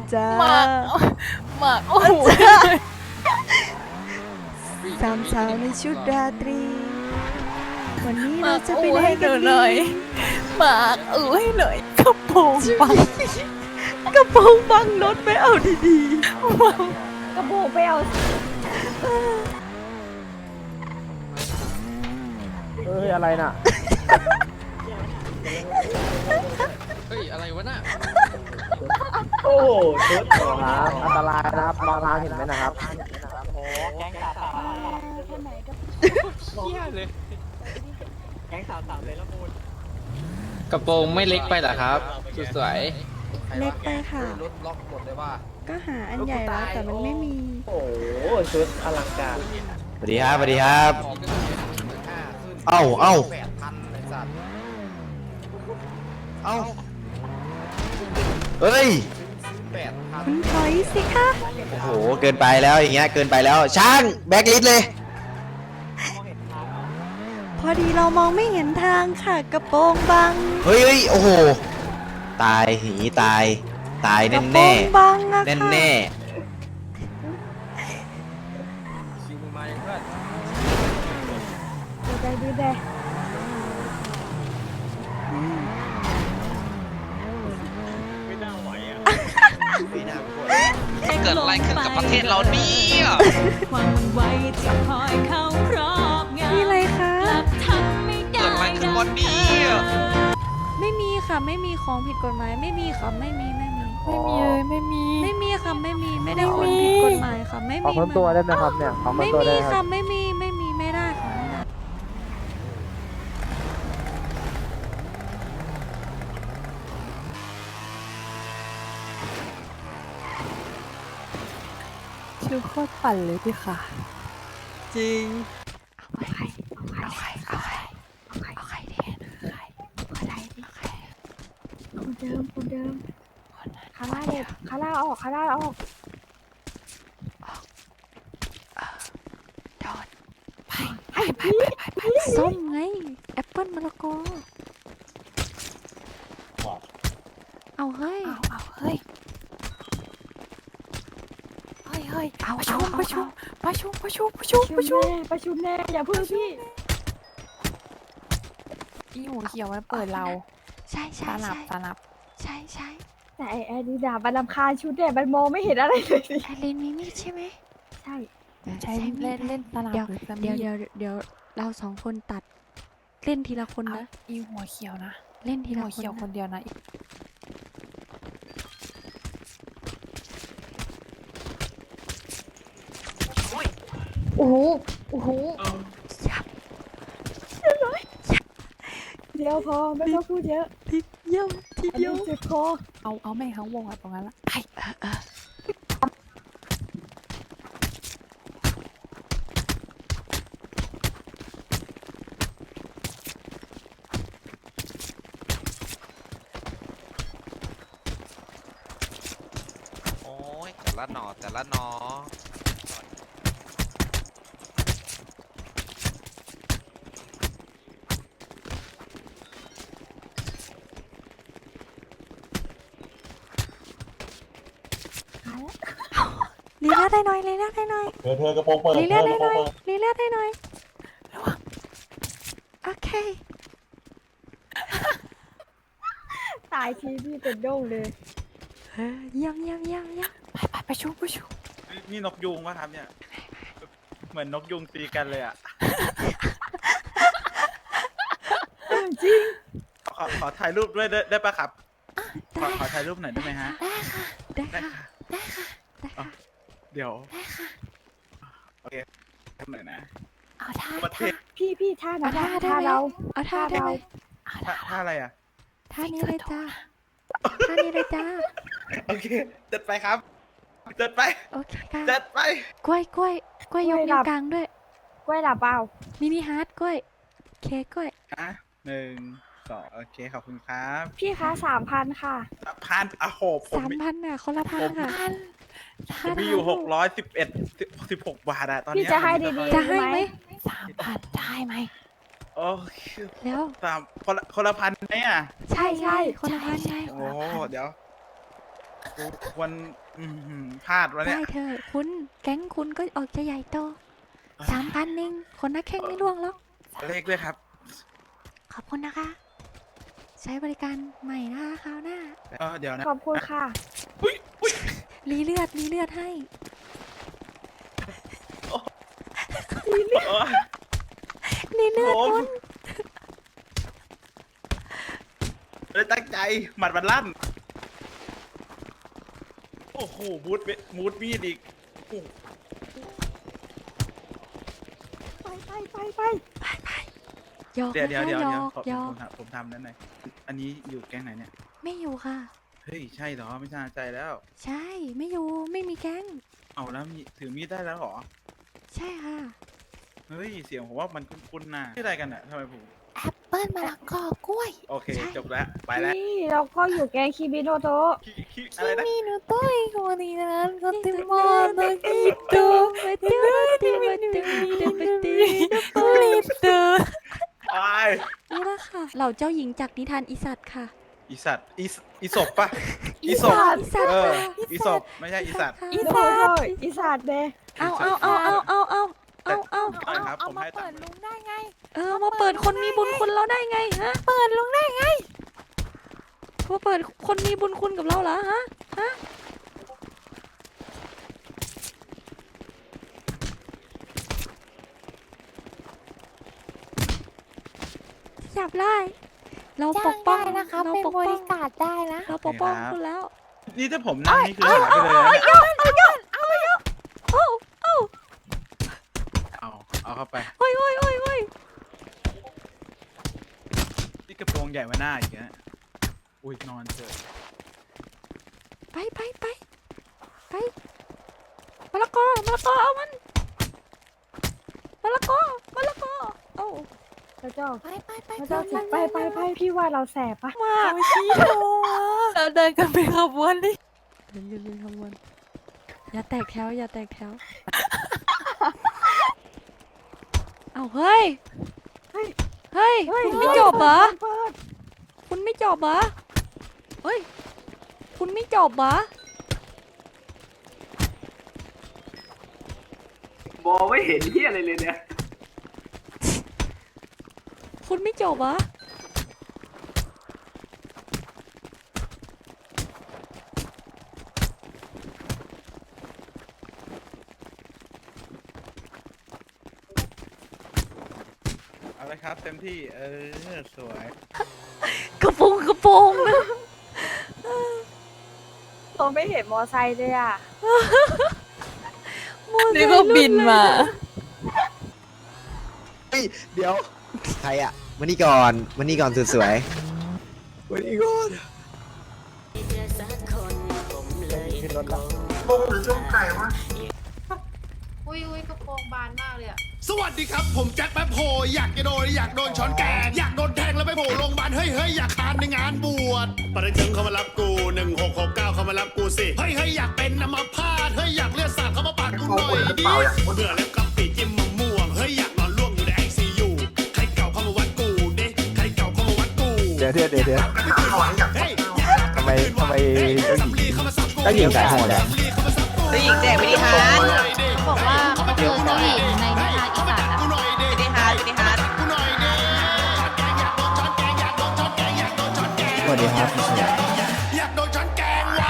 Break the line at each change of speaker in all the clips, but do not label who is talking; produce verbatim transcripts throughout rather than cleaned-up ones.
จ้า
หมากหมากโอ้โห
สามสาวในชุดราตรี วันนี้
ห
เรา
มาก
จะไป
อู้
ไหน
ให้ห
กั
นู
น
ห
ดี
น่อยหมากอู้ให้หน่อยกระโปรงบัง
กระโปรงบังรถไปเอาดี
กระโบกไปเอา
เอ้ยอะไรน่ะ
เฮ้ย อะไรวะน่ะ
โอ้โหชุดครับอันตรายนะครับมองทางเห็นไหมนะครับ
เชี่ยเลย แก๊งสาวสาวเลยละมูลกระโปรงไม่เล็กไปเหรอครับสุดสวย
ๆ เล็กไปค่ะ
รถล็อกหมดเลยว่า
ก็หาอันใหญ่แล้วแต่มันไม่มี
โอ้โหชุดอลังการ
สวัสดีครับสวัสดีครับ เอ้าเอ้า
แปดพันเลยสัตว์
เอ้าเฮ้ย
แปดพัน
คุณถอยสิคะ
โอ้โห เกินไปแล้วอย่างเงี้ย เกินไปแล้ว ช่าง แบ็คลิสต์เลย
พอดีเรามองไม่เห็นทางค่ะ กระโปรงบัง
เฮ้ยเฮ้ยโอ้โห ตายหีตาย ตาย
กระ
แน่
โปรง
แน่
บังอะ
แน่
ค่ะ
แน่
คิวมึงมายังเพื่อน
ดูใจดูใจ
เกิดอะไรขึ้นกับประเทศเราเนี่ย
ความมันไวจะคอยเข้าครอบงำ
มีอะไรคะ
กลับทำไม่ได้
เกิดอะไรขึ้นวันนี้
ไม่มีค่ะไม่มีของผิดกฎหมายไม่มีค่ะไม่มีไม่มี
ไม่มีเลยไม่มี
ไม่มีค่ะไม่มีไม่ได้คนผิดกฎหมายค่ะไม่
ขอ
มี
คนตัวได้ไหมครับเนี่ยขอคน
ไม่
ตัว
มี
ได้ไหมค
ค่ะ
รับ
ไม่มีไม่มีไม่ได้ค่ะไม่ได้
ชื่อโคตรปั่นเลยพี่ค่ะ
จริง
เอาใครเอาใครเอาใครเอาใครแทนใครเอาใครเอาใคร
คนเดิมคนเดิมคาร่าเด็ดคาร่าออกคาร่าออก
โดนไปไปไปไปไปไป
ส้มไงแอปเปิ้ลมะละกอเอาเฮ้ย
เอาเอาเฮ้ยเฮ้ยเฮ้ย
เอา
ประ
เอา
ชุม
เอา
ประชุม
เอา
ประชุมประชุมประชุม
ประ
ประ
ชุ
ชุ
ม
ม
แน่ประชุมแน่อย่าเพิ่งพี่
อีหัวเขียวมันเปิดเรา
ใช่
ส
ใช่
นับ
ใช่
สนับ
ใช่ใช่
แต่ไอ้แอดดิดาบันลำคาญชุดเนี่ยมันมองไม่เห็นอะไรเลยสิ
ไอเลนมีมีดใช่ไหม
ใช่
ใช้
มีด
เล่น
ไหม
เล่นสนับ
เดี๋ยว
หรือส
เดี๋ยว
มี
เดี๋ยวเดี๋ยวเราสองคนตัด เล่นทีละคน
เอา
นะ
อีหัวเขียวนะ
เล่นที
อี
ละ
หัว
คน
เขียวคน
นะ
เดียวนะ
โอ้โหโอ้โห
ยับ
เดี๋ยวพอไม่ต้องพูดเยอะ
ทีเดียวที
อัน
เดียว
นี้เจ็บคอ
เอาเอาแม่งทั้งวงอะตรงนั้นละไป
เออเออ
โอ้ยแต่ละหนอแต่ละหนอ
ลีลาได้หน่อยลีลาได้หน่อย
เธอเธอกระโปรงเปิด
ลี
เธ
ลา
อก
ได้
ระโป
ห
ร
น่
ง
อย
เปิด
ลีลาได้หน่อยโอเค
ตายทีพี่เป็นโด่งเลย
เออเยี่ยมเยี่ยมเยี่ยมเยี่ยม
ไปไปประชุมประชุม
นี่นกยุงวะครับเนี่ย เหมือนนกยุงตีกันเลยอ่ะ
จริง
ขอขอถ่ายรูปด้วยได้ได้ปะครับ ขอขอถ่ายรูปหน่อยได้ไหมฮะ
ได้
ได้
ค่ะ
ค่ะ
ได้ค่ะได้ค่ะ
เดี๋ยวโอเคทำหน่อยนะ
เอาท่า
ประเท
ท่า
ศ
พี่พี่ท่า
เอา
นะ
ท่าได้
ท่า
ไหม
เรา
เอาท่าได้ไหม
เอา
ท่า
ท่า
ท่าอะไรอ่ะ
ท่านี้เลยจ้าท่านี้เลยจ้า
โอเคจัดไปครับจัดไป
โอเคค่ะ
จัดไป
กล้วยกล้วยกล้วยยกนิ้วกลางด้วย
กล้วยหลับเปล่า
มินิฮาร์ดกล้วยเคกกล้วย
อ่ะหนึ่งสองโอเคขอบคุณครับ
พี่คะสามพันค่ะ
พันอ่ะโหผม
สาม
มี
พันน่ะคนละพันค่ะ
ท่าน
ผมมีอยู่หกร้อยสิบเอ็ดสิบหกบาทอะตอน
พี่
เนี้ย
จะให้ดีๆ
จะให้ไหม
สามพันได้ไหม
โอ้ย
แล้ว
สามคนละคนละพันไหมอ่ะ
ใช่
ใช่
ใช่คนละพันใช่
โอ้เดี๋ยวกูควรอื้อหือพลาดวะเนี่
ได้
ย
เธอะคุณแก๊งคุณก็ออกจะใหญ่โตสามพันเองคนนักแข่งไม่ล่วงหรอก
เลขด้วยครับ
ขอบคุณนะคะ ใช้บริการใหม่นะคะคราวหน้า
เออเดี๋ยวนะ
ขอบคุณค่ะ
อุ้ยอุ้ย
รีเลือดรีเลือดให้
โอ้ย
รีเลือด
ผม
คุณ
เลยตั้งใจหมัดมันลั่น โอ้โหมูดเวมูดมีดอีกโอ้โห
ไปไปไปไป
ไปไปหยอก
เดี๋ยวเดี๋ยวเดี๋ยว
หย
เดี๋ยว
อก
ผม
หยอ
ผ
ก
มทำผมทำนั้นหน่อยอันนี้อยู่แก๊งไหนเนี่ย
ไม่อยู่ค่ะ
เฮ้ยใช่เหรอไม่น่าใจแล้ว
ใช่ไม่อยู่ไม่มีแก๊ง
เอาแล้วมีถือมีดได้แล้วเหรอ
ใช่ค่ะ
เฮ้ยเสียงผมว่ามันคุ้นๆนะชื่ออะไรกันอะทำไมผม
แอปเปิ้ลมะละกอกล้วย
โอเคจบแล้วไปแล้ว
นี่เราก็อยู่แกงคิบิโนโตะ
คิคิอะไรนะ
มีหนูต้อยคนนี้นั้นก็ติมอโนกิโต
มาเตือนมาเตือนมาเตือนมาเตือน
ลิโต
ไอ
นี่ละค่ะ เหล่าเจ้าหญิงจากนิทานอีสัตว์ค่ะ
อีสัตว์อีสอีศพปะอีศพ
อีสัตว์
เออ
ค่ะ
อีศพไม่ใช่อีสัตว์
อีสานอีสานเด
เอาเอาเอาเอาเอาเอาเอาเอา
ได้ครับ
เอา
ผม
มา
ให้ตั
เปิ
ง
ด
ค์
ลุงได้ไง
เออมาเปิดคนมีบุญคุณเราได้ไงฮะ
เปิดลุงได้ไง
มาเปิดคนมีบุญคุณกับเราเหรอฮะฮะจับได้เราป
จ้าก ง
ป้อ
ได้
ง
นะคะ
เรา
เป็น
ปก
บ
ป้อง
ริการได้นะ
เราปกป้องคุณแล้ว
นี่ถ้าผมนั่งนี่คือหายไปเลยนะเนี่ย
โอ้โอ้
เอาเอาเข้าไป
โอ้ยโอ้ยโอ้ยโอ้ย
นี่กระโปรงใหญ่มาหน้าอีกนะอุ้ยนอนเถอะ
ไปไปไปไปมะละกอมะละกอเอามันมะละกอมะละกอเอา
พระเจ้า
ไปไปไป
พระเจ้าสิไปไปไปพี่ว่าเราแสบปะ
มา
โอ้ชี้โเราเดินกันเป็นขบวนดิ
เดินยืนขบวนอย่าแตกแถวอย่าแตกแถวเอาเฮ้ยเฮ้ยเฮ้ยคุณไม่จบเหรอ
เปิด
คุณไม่จบเหรอเฮ้ยคุณไม่จบเหรอ
มองไม่เห็นที่อะไรเลยเนี่ย
คุณไม่จบเหรอ
เอาเลยครับเต็มที่เออสวย
กระโปรงกระโปรงนะ
เราไม่เห็นมอไซค์เลยอ่ะ
นี่ก็บินมา
เฮ้ย เดี๋ยว ใครอะมานี่ก่อน มานี่ก่อนสุดสวยมานี่ก่อน
ขึ้นรถแล้ว
อุ้ยอุ้ยกระโปรงบานมากเลยอะ
สวัสดีครับ ผมแจ็คแป๊บโฮอยากจะโดนอยากโดนช้อนแกงอยากโดนแทงแล้วไปโผล่โรงพยาบาลเฮ้ยเฮ้ยอยากทานในงานบวชปริจึงเขามารับกูหนึ่งหกหกเก้าเขามารับกูสิเฮ้ยเฮ้ยอยากเป็นอัมพาตเฮ้ยอยากเลือดสาดเขามาปาดกูหน่อยดิเบื่อแล้วกับปีจิ้มมะม่วงเฮ้ยอยากนอนล่วงอยู่ในไอซียูใครเก่าเข้ามาวัดกูเด้ใครเก่าเข้ามาวัดกู
เดี๋ยวเดี๋ยวเดี๋ยวเดี๋ยว
เฮ้ย
ทำไมทำไม
เฮ้ย
เจ้าหญิง
สำลีเข้ามาสับกู
เจ้าหญิงสายโหดอะ
สำลีเข้ามาสับกู
เจ้าหญิงแจกมินิฮาร์ด
บอกว่าเขาเจอเจ้าหญิงในนิทานอีสานอะ
กูหน่อยดิ
มินิฮาร์ดมินิฮาร์ด
กูหน่อยดิช้อนแกงอยากโดนช้อนแกงอยากโดนช้อนแกงอยากโดนช้อนแกง
สวัสดีครับพี่เฉย
อยากโดนช้อนแกงว่ะ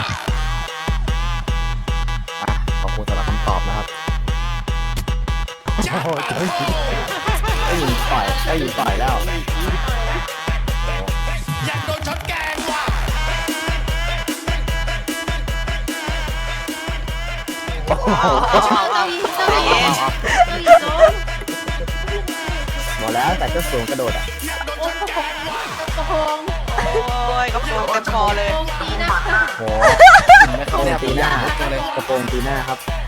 ขอบคุณสำหรับคำตอบนะครับ โอ้โหเจ้าหญิงเจ้าหญิงต่อยเจ้าหญิงต่อยแล้ว
อยากโดนช้อนแกงว่ะ
โอ้โห
เจ้าหญิงเจ้าหญิงเจ้าหญิงโดน
หมดแล้วแต่เจ้าสูงกระโดดอ่ะ
อยากโดนช้อนแกงว่ะ
กระโปรง
โอ้ยกระโปรงเต็มคอเลย
ดีนะ
โหไม่เข้าตีหน้ากระโปรงตีหน้าครับ